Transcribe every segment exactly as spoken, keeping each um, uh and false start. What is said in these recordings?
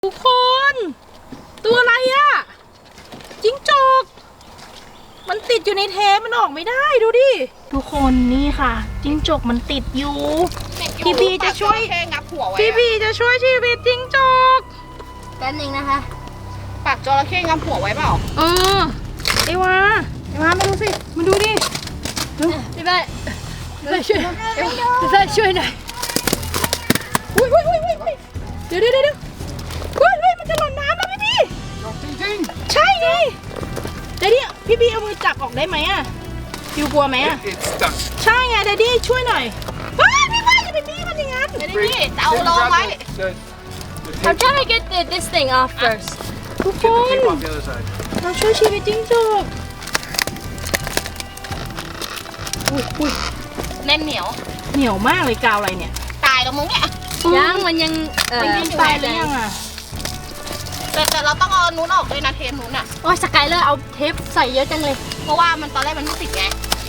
ทุกคนตัวอะไรอะจิ้งจกมันติดอยู่ในเทปมันออกไม่ได้ดูดิทุกคนนี่ค่ะจิ้งจกมันติดอยู่พี่พีจะช่วยพี่พีจะช่วยชีวิตจิ้งจกแป๊บนึงนะคะปากจระเข้งับหัวไว้เปล่าเออไอ้วาไอ้วามาดูสิมาดูดิพี่ใบพี่ใบช่วยพี่ใบช่วยหน่อยอุ้ยอุ้ยอุ้ยอุ้ยเดี๋ยวเดี๋ยวเดี๋ยวอุ้ยอุ้ยมันจะหล่นน้ำแล้วพี่พีจริงๆใช่ไงเดดดี้พี่พีเอามือจับออกได้ไหมอะยูกลัวไหมอะใช่ไงเดดดี้ช่วยหน่อยเฮ้ยพี่พีอย่าไปบี้มันอย่างนั้นเดดดี้จะเอาลงไว้ I'm trying to get the, this thing off first ทุกคนเราช่วยชีวิตจิ้งจกอุ้ยอุ้ยแน่นเหนียวเหนียวมากเลยกาวอะไรเนี่ยตายแล้วมึงเนี่ยยังมันยังเออมันตายหรือยังอ่ะแต่แต่เราต้องเอานู้นออกด้วยนะเทปนู้นอ่ะโอ้ยสกายเลอร์เอาเทปใส่เยอะจังเลยเพราะว่ามันตอนแรกมันไม่ติดไง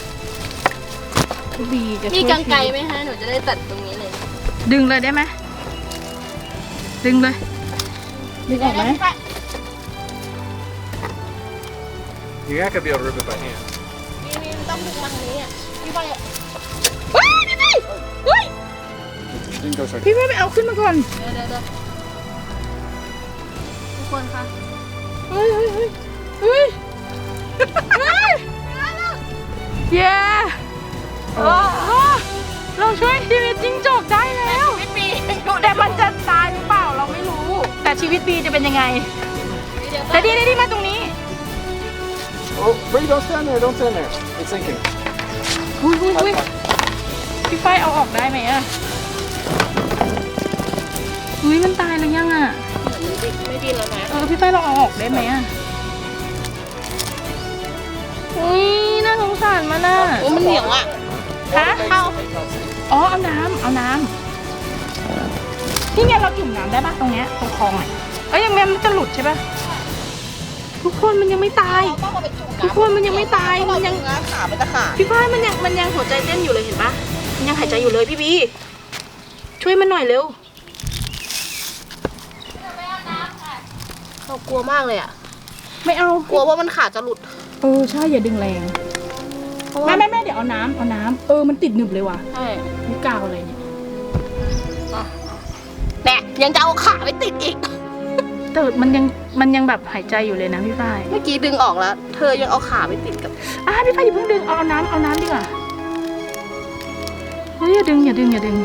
พี่บีจะมีกรรไกรไหมฮะหนูจะได้ตัดตรงนี้เลยดึงเลยได้ไหมดึงเลยดึงออกไหม You're not gonna be able to rip it by hand. นี่นี่ต้องดึงมันนี้อ่ะพี่ไปเฮ้ยพี่ไปเฮ้ย Didn't go so. พี่ไปไปเอาขึ้นมาก่อนเดี๋ยวเดี๋ยวเดี๋ยวทุกคนคะเฮ้ยเฮ้ยเฮ้ยเฮ้ยเฮ้ยเย้เราช่วยชีวิตจิ้งจกได้แล้วแต่มันจะตายหรือเปล่าเราไม่รู้แต่ชีวิตบีจะเป็นยังไงแต่ดีดีมาตรงนี้ Oh, wait! Don't stand there! Don't stand there! It's sinking. อุ้ยอุ้ยอุ้ยพี่ไฟเอาออกได้ไหมอะอุ้ยมันตายหรือยังอะไม่ดีแล้วนะเออพี่ไฟเราเอาออกได้ไหมอะอุ้ยน่าสงสารมันอะโอ้มันเหนียวอ่ะฮะเข้าอ๋อเอาน้ำเอาน้ำนี่ไงเราจุ่มน้ำได้ปะตรงเนี้ยตรงคลองอ่ะเอ้ยยังไงมันจะหลุดใช่ปะทุกคนมันยังไม่ตายทุกคนมันยังไม่ตายมันยังขามันจะขาดพี่ฝ้ายมันยังมันยังหัวใจเต้นอยู่เลยเห็นปะมันยังหายใจอยู่เลยพี่บีช่วยมันหน่อยเร็วเขากลัวมากเลยอ่ะไม่เอากลัวว่ามันขาดจะหลุดเออใช่อย่าดึงแรงไม่ไม่ไม่เดี๋ยวเอาน้ำเอาน้ำเออมันติดหนึบเลยว่ะใช่นี่กาวอะไรเนี่ยแน่ยังจะเอาขาไปติดอีกแต่มันยังมันยังแบบหายใจอยู่เลยนะพี่ฝ้ายเมื่อกี้ดึงออกแล้วเธอยังเอาขาไปติดกับอ่ะพี่ฝ้ายอย่าเพิ่งดึงเอาน้ำเอาน้ำดีกว่าเฮ้ยอย่าดึงอย่าดึงอย่าดึง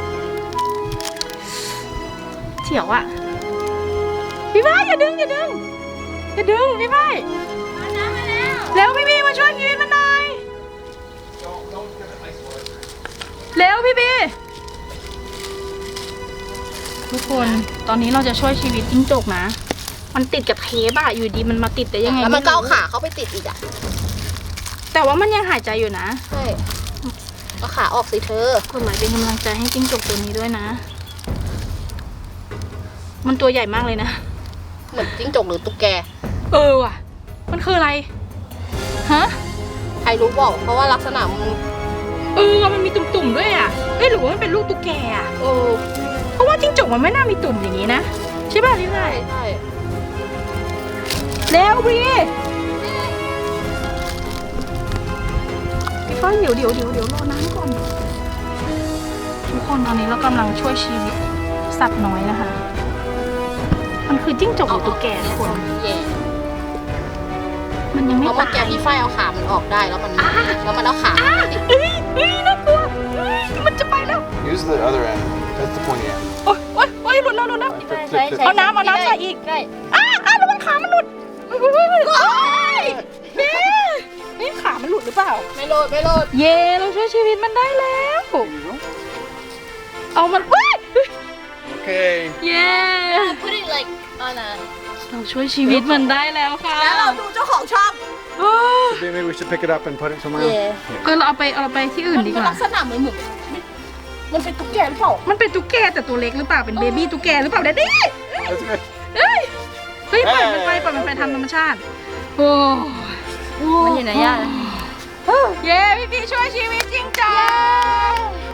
เฉียวอะพี่ฝ้ายอย่าดึงอย่าดึงอย่าดึงพี่ฝ้ายเอาน้ำมาแล้วแล้วพี่บีมาช่วยชีวิตมันหน่อยเร็วพี่บีทุกคนตอนนี้เราจะช่วยชีวิตจิ้งจกนะมันติดกับเทปอะอยู่ดีมันมาติดแต่ยังไงแล้วมันก็เอาขาเขาไปติดอีกอะแต่ว่ามันยังหายใจอยู่นะใช่เอาขาออกสิเธอกดไลค์เป็นกำลังใจให้จิ้งจกตัวนี้ด้วยนะมันตัวใหญ่มากเลยนะเหมือนจิ้งจกหรือตุ๊กแกเออว่ะมันคืออะไรฮะใครรู้บอกเพราะว่าลักษณะมันเออมันมีตุ่มๆด้วยอ่ะเอ้ยหรือว่ามันเป็นลูกตุ๊กแกอ่ะเออเพราะว่าจิ้งจกมันไม่น่ามีตุ่มอย่างนี้นะใช่ป่ะพี่ไผ่ใช่แล้วพี่พี่ไผ่เดี๋ยวเดี๋ยวเดี๋ยวเดี๋ยวรอน้ำก่อนทุกคนตอนนี้เรากำลังช่วยชีวิตสัตว์น้อยนะคะมันคือจิ้งจกหรือตุ๊กแกทุกคนมันยังไม่ตายแกพี่ไฟเอาขามันออกได้แล้วมันแล้วมันเอาขาเอ้ยเอ้ยน่ากลัวมันจะไปแล้ว Use the other end. That's the pointy end. โอ๊ยโอ๊ยโอ๊ยหลุดแล้วหลุดแล้วเอาน้ำเอาน้ำใส่อีกได้อ้าอ้าแล้วมันขามันหลุดเฮ้ยนี่ขามันหลุดหรือเปล่าไม่หลุดไม่หลุดเย่เราช่วยชีวิตมันได้แล้วเอามันเฮ้ย Okay. เย่ put it like on a เราช่วยชีวิตมันได้แล้วค่ะแล้วเราดูเจ้าของช่อง Maybe we should pick it up and put it somewhere. เออเราเอาไปเอาไปที่อื่นดีกว่าลักษณะเหมือนหมึกมันเป็นตุ๊กแกหรือเปล่ามันเป็นตุ๊กแกแต่ตัวเล็กหรือเปล่าเป็นเบบี้ตุ๊กแกหรือเปล่าเด็ดดี้เฮ้ยเฮ้ยปล่อยมันไปปล่อยมันไปทำธรรมชาติโอ้มันอยู่ไหนย่าเย้พี่พี่ช่วยชีวิตจริงจัง